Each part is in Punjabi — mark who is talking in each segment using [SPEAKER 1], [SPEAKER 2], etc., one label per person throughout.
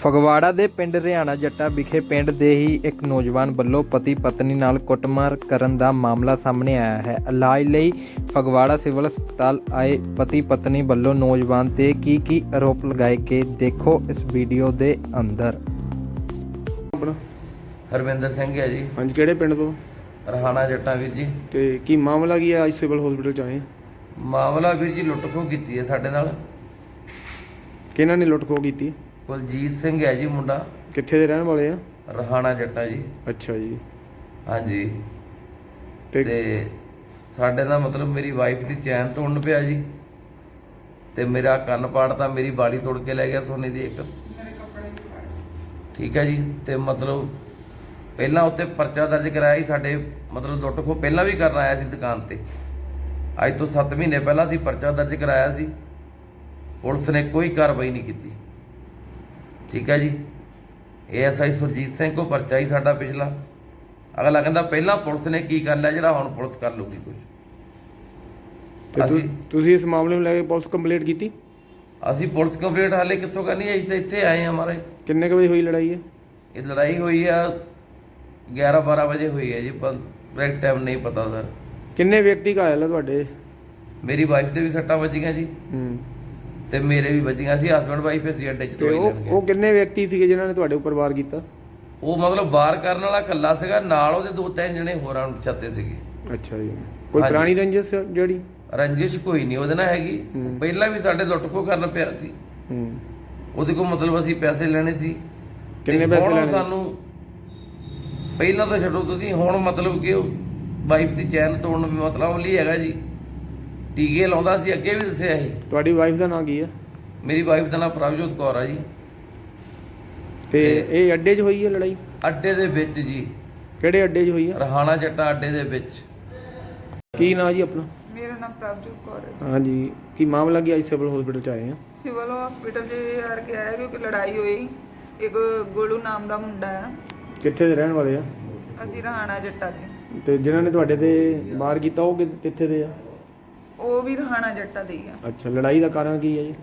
[SPEAKER 1] ਫਗਵਾੜਾ ਦੇ ਪਿੰਡ ਰਿਆਣਾ ਜੱਟਾ ਵਿਖੇ ਪਿੰਡ ਦੇ ਹੀ ਇੱਕ ਨੌਜਵਾਨ ਵੱਲੋਂ ਪਤੀ ਪਤਨੀ ਨਾਲ ਕੁੱਟਮਾਰ ਕਰਨ ਦਾ ਮਾਮਲਾ ਸਾਹਮਣੇ ਆਇਆ ਹੈ। ਇਲਾਜ ਲਈ ਫਗਵਾੜਾ ਸਿਵਲ ਹਸਪਤਾਲ ਆਏ ਪਤੀ ਪਤਨੀ ਵੱਲੋਂ ਨੌਜਵਾਨ ਤੇ ਕੀ ਆਰੋਪ ਲਗਾਏ ਗਏ, ਦੇਖੋ ਇਸ ਵੀਡੀਓ ਦੇ ਅੰਦਰ।
[SPEAKER 2] ਆਪਣਾ
[SPEAKER 3] ਹਰਵਿੰਦਰ ਸਿੰਘ ਹੈ ਜੀ।
[SPEAKER 2] ਹਾਂਜੀ, ਕਿਹੜੇ ਪਿੰਡ ਤੋਂ?
[SPEAKER 3] ਰਹਾਣਾ ਜੱਟਾ ਵੀਰ ਜੀ।
[SPEAKER 2] ਤੇ ਕੀ ਮਾਮਲਾ ਕੀ ਹੈ? ਅੱਜ ਸਿਵਲ ਹਸਪੀਟਲ ਚ ਆਏ।
[SPEAKER 3] ਮਾਮਲਾ ਵੀਰ ਜੀ ਲੁੱਟ ਖੋਹ ਕੀਤੀ ਹੈ ਸਾਡੇ ਨਾਲ।
[SPEAKER 2] ਕਿਹਨਾਂ ਨੇ ਲੁੱਟ ਖੋਹ ਕੀਤੀ?
[SPEAKER 3] ਕੁਲਜੀਤ ਸਿੰਘ ਹੈ ਜੀ ਮੁੰਡਾ।
[SPEAKER 2] ਕਿੱਥੇ ਦੇ ਰਹਿਣ ਵਾਲੇ ਆ?
[SPEAKER 3] ਰਹਾਣਾ ਜੱਟਾ ਜੀ।
[SPEAKER 2] ਅੱਛਾ ਜੀ।
[SPEAKER 3] ਹਾਂਜੀ।
[SPEAKER 2] ਤੇ
[SPEAKER 3] ਸਾਡੇ ਦਾ ਮਤਲਬ ਮੇਰੀ ਵਾਈਫ ਦੀ ਚੈਨ ਤੋੜਨ ਪਿਆ ਜੀ, ਤੇ ਮੇਰਾ ਕੰਨ ਪਾੜਤਾ, ਮੇਰੀ ਬਾਲੀ ਤੋੜ ਕੇ ਲੈ ਗਿਆ ਸੋਨੇ ਦੀ ਇੱਕ। ਠੀਕ ਹੈ ਜੀ। ਤੇ ਮਤਲਬ ਪਹਿਲਾਂ ਉੱਤੇ ਪਰਚਾ ਦਰਜ ਕਰਾਇਆ ਸੀ ਸਾਡੇ, ਮਤਲਬ ਲੁੱਟ ਖੋਹ ਪਹਿਲਾਂ ਵੀ ਕਰਨ ਆਇਆ ਸੀ ਦੁਕਾਨ ਤੇ। ਅੱਜ ਤੋਂ 7 ਮਹੀਨੇ ਪਹਿਲਾਂ ਅਸੀਂ ਪਰਚਾ ਦਰਜ ਕਰਾਇਆ ਸੀ, ਪੁਲਿਸ ਨੇ ਕੋਈ ਕਾਰਵਾਈ ਨਹੀਂ ਕੀਤੀ। ਠੀਕ ਹੈ ਜੀ। ASI ਸੁਰਜੀਤ ਸਿੰਘ ਕੋ ਪਰਚਾ ਹੀ ਸਾਡਾ ਪਿਛਲਾ। ਅਗਲਾ ਕਹਿੰਦਾ ਪਹਿਲਾਂ ਪੁਲਿਸ ਨੇ ਕੀ ਕਰ ਲਿਆ ਜਿਹੜਾ ਹੁਣ ਪੁਲਿਸ ਕਰ ਲੂਗੀ ਕੁਝ।
[SPEAKER 2] ਤੁਸੀਂ ਇਸ ਮਾਮਲੇ ਨੂੰ ਲੈ ਕੇ ਪੁਲਿਸ ਕੰਪਲੇਂਟ ਕੀਤੀ?
[SPEAKER 3] ਅਸੀਂ ਪੁਲਿਸ ਕੰਪਲੇਂਟ ਹਾਲੇ ਕਿੱਥੋਂ ਕਰਨੀ ਹੈ? ਅਸੀਂ ਤਾਂ ਇੱਥੇ ਆਏ ਹਾਂ ਮਾਰੇ।
[SPEAKER 2] ਕਿੰਨੇ ਕੁ ਵਜੇ ਹੋਈ ਲੜਾਈ ਹੈ?
[SPEAKER 3] ਇਹ ਲੜਾਈ ਹੋਈ ਆ 11-12 ਵਜੇ ਹੋਈ ਹੈ ਜੀ, ਕਰੈਕਟ ਟਾਈਮ ਨਹੀਂ ਪਤਾ ਸਰ।
[SPEAKER 2] ਕਿੰਨੇ ਵਿਅਕਤੀ ਘਾਇਲ ਆ ਤੁਹਾਡੇ?
[SPEAKER 3] ਮੇਰੀ ਵਾਈਫ ਤੇ ਵੀ ਸੱਟਾਂ ਵੱਜੀਆਂ ਜੀ, ਤੇ ਮੇਰੇ ਵੀ ਵੱਜੀਆਂ ਸੀ। ਹਸਬੈਂਡ ਵਾਈਫ ਅਸੀਂ ਅੱਡੇ 'ਚ
[SPEAKER 2] ਤੇ ਉਹ ਕਿੰਨੇ ਵਿਅਕਤੀ ਸੀਗੇ ਜਿਨ੍ਹਾਂ ਨੇ ਤੁਹਾਡੇ ਉੱਪਰ ਵਾਰ ਕੀਤਾ?
[SPEAKER 3] ਉਹ ਮਤਲਬ ਵਾਰ ਕਰਨ ਵਾਲਾ ਇਕੱਲਾ ਸੀਗਾ, ਨਾਲ ਉਹਦੇ 2-3 ਜਣੇ ਹੋਰਾਂ ਨੂੰ ਛੱਤੇ ਸੀਗੇ।
[SPEAKER 2] ਅੱਛਾ ਜੀ। ਕੋਈ
[SPEAKER 3] ਹਾਂਜੀ।
[SPEAKER 2] ਪੁਰਾਣੀ ਰੰਜਿਸ਼ ਜਿਹੜੀ?
[SPEAKER 3] ਰੰਜਿਸ਼ ਕੋਈ ਨਹੀਂ ਉਹਦੇ ਨਾਲ ਹੈਗੀ। ਪਹਿਲਾਂ ਵੀ ਸਾਡੇ ਲੁੱਟ ਖੋਹ ਕਰਨ ਪਿਆ ਸੀ। ਉਹਦੇ ਕੋਲ ਮਤਲਬ ਅਸੀਂ ਪੈਸੇ ਲੈਣੇ ਸੀ।
[SPEAKER 2] ਕਿੰਨੇ ਪੈਸੇ ਲੈਣੇ?
[SPEAKER 3] ਸਾਨੂੰ ਪਹਿਲਾਂ ਤਾਂ ਛੱਡੋ ਤੁਸੀਂ, ਹੁਣ ਮਤਲਬ ਕਿ ਉਹ ਵਾਈਫ ਦੀ ਚੈਨ ਤੋੜਨ ਵੀ ਮਤਲਬ ਲਈ ਹੈਗਾ ਜੀ। ਟੀਕੇ ਲਾਉਂਦਾ ਸੀ, ਅੱਗੇ ਵੀ ਦੱਸਿਆ ਸੀ।
[SPEAKER 2] ਤੁਹਾਡੀ ਵਾਈਫ ਦਾ ਨਾਂ ਕੀ ਹੈ?
[SPEAKER 3] ਮੇਰੀ ਵਾਈਫ ਦਾ ਨਾਮ ਪ੍ਰਭਜੋਤ ਕੌਰ ਆ ਜੀ।
[SPEAKER 2] ਤੇ ਇਹ ਅੱਡੇ 'ਚ ਹੋਈ ਹੈ ਲੜਾਈ?
[SPEAKER 3] ਅੱਡੇ ਦੇ ਵਿੱਚ ਜੀ।
[SPEAKER 2] ਕਿਹੜੇ ਅੱਡੇ 'ਚ ਹੋਈ ਹੈ?
[SPEAKER 3] ਰਹਾਣਾ ਜੱਟਾ ਅੱਡੇ ਦੇ ਵਿੱਚ।
[SPEAKER 2] ਕੀ ਨਾਂ ਜੀ ਆਪਣਾ?
[SPEAKER 4] ਮੇਰਾ ਨਾਮ ਪ੍ਰਭਜੋਤ ਕੌਰ ਹੈ ਜੀ।
[SPEAKER 2] ਹਾਂਜੀ, ਕੀ ਮਾਮਲਾ ਕੀ? ਅੱਜ ਸਿਵਲ ਹਸਪੀਟਲ ਚ ਆਏ ਆ।
[SPEAKER 4] ਸਿਵਲ ਹਸਪੀਟਲ 'ਚ ਯਾਰ ਕੇ ਆਇਆ ਕਿਉਂਕਿ ਲੜਾਈ ਹੋਈ। ਇੱਕ ਗੋਲੂ ਨਾਮ ਦਾ ਮੁੰਡਾ ਹੈ।
[SPEAKER 2] ਕਿੱਥੇ ਦੇ ਰਹਿਣ ਵਾਲੇ ਆ?
[SPEAKER 4] ਅਸੀਂ ਰਹਾਣਾ ਜੱਟਾ ਦੇ।
[SPEAKER 2] ਤੇ ਜਿਨ੍ਹਾਂ ਨੇ ਤੁਹਾਡੇ ਤੇ ਵਾਰ ਕੀਤਾ ਉਹ ਕਿੱਥੇ ਦੇ ਆ?
[SPEAKER 4] ਉਹ ਵੀ ਰਹਾਣਾ ਜੱਟਾ ਦੇ ਹੀ ਆ।
[SPEAKER 2] ਅੱਛਾ, ਲੜਾਈ ਦਾ ਕਾਰਨ ਕੀ ਹੈ ਜੀ?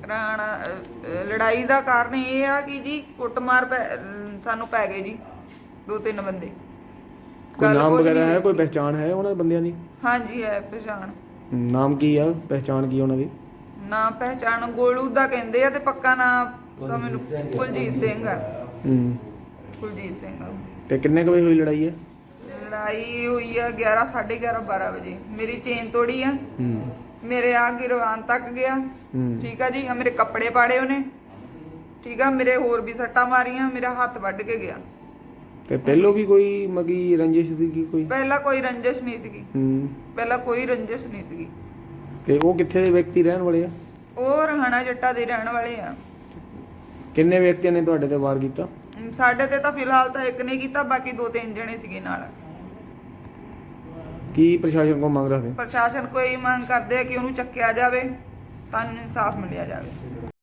[SPEAKER 4] ਲੜਾਈ ਦਾ ਕਾਰਨ ਇਹ ਆ ਕਿ ਜੀ ਕੁੱਟਮਾਰ ਸਾਨੂੰ ਪੈ ਗਏ ਜੀ 2-3 ਬੰਦੇ।
[SPEAKER 2] ਕੋਈ ਨਾਮ ਵਗੈਰਾ ਹੈ? ਕੋਈ ਪਹਿਚਾਣ ਹੈ ਉਹਨਾਂ ਬੰਦਿਆਂ ਦੀ?
[SPEAKER 4] ਹਾਂਜੀ ਹੈ ਪਛਾਣ।
[SPEAKER 2] ਨਾਮ ਕੀ ਆ? ਪਹਿਚਾਣ ਕੀ ਉਹਨਾਂ ਦੀ?
[SPEAKER 4] ਨਾਮ ਪਹਿਚਾਣ ਗੋਲੂ ਦਾ ਕਹਿੰਦੇ ਆ, ਤੇ ਪੱਕਾ ਨਾਮ ਤਾਂ ਮੈਨੂੰ ਕੁਲਜੀਤ ਸਿੰਘ ਆ। ਕੁਲਜੀਤ ਸਿੰਘ।
[SPEAKER 2] ਤੇ ਕਿੰਨੇ ਕੁ ਵਜੇ ਹੋਈ ਲੜਾਈ ਹੈ?
[SPEAKER 4] ਲੜਾਈ ਹੋਈ ਆ 11, 11:30, 12 ਵਜੇ। ਮੇਰੀ ਚੇਨ ਤੋੜੀ ਆ, ਮੇਰੇ ਆ ਗਿਰਵਾਨ ਤੱਕ ਗਿਆ। ਠੀਕ ਆ ਜੀ। ਆ ਮੇਰੇ ਕੱਪੜੇ ਪਾੜੇ ਉਹਨੇ। ਠੀਕ ਆ। ਮੇਰੇ ਹੋਰ ਵੀ ਸੱਟਾਂ ਮਾਰੀਆਂ, ਮੇਰਾ ਹੱਥ ਵੱਢ ਕੇ ਗਿਆ।
[SPEAKER 2] ਤੇ ਪਹਿਲੋਂ ਵੀ ਕੋਈ ਮਗੀ ਰੰਜਿਸ਼ ਸੀਗੀ ਕੋਈ?
[SPEAKER 4] ਪਹਿਲਾਂ ਕੋਈ ਰੰਜਿਸ਼ ਨਹੀਂ ਸੀਗੀ। ਪਹਿਲਾਂ ਕੋਈ ਰੰਜਿਸ਼ ਨਹੀਂ ਸੀਗੀ।
[SPEAKER 2] ਤੇ ਉਹ ਕਿੱਥੇ ਦੇ ਵਿਅਕਤੀ ਰਹਿਣ ਵਾਲੇ ਆ?
[SPEAKER 4] ਉਹ ਰਹਾਣਾ ਜੱਟਾ ਦੇ ਰਹਿਣ ਵਾਲੇ ਆ।
[SPEAKER 2] ਕਿੰਨੇ ਵਿਅਕਤੀਆਂ ਨੇ ਤੁਹਾਡੇ ਤੇ ਵਾਰ ਕੀਤਾ?
[SPEAKER 4] ਸਾਡੇ ਤੇ ਤਾਂ ਫਿਲਹਾਲ ਤਾਂ ਇੱਕ ਨੇ ਕੀਤਾ, ਬਾਕੀ 2-3 ਜਣੇ ਸੀਗੇ ਨਾਲ।
[SPEAKER 2] ਕੀ ਪ੍ਰਸ਼ਾਸਨ ਕੋਲ ਮੰਗ ਰੱਖਦੇ?
[SPEAKER 4] ਪ੍ਰਸ਼ਾਸਨ ਕੋਈ ਮੰਗ ਕਰਦੇ ਆ ਕਿ ਉਹਨੂੰ ਚੱਕਿਆ ਜਾਵੇ, ਸਾਨੂੰ ਇਨਸਾਫ ਮਿਲਿਆ ਜਾਵੇ।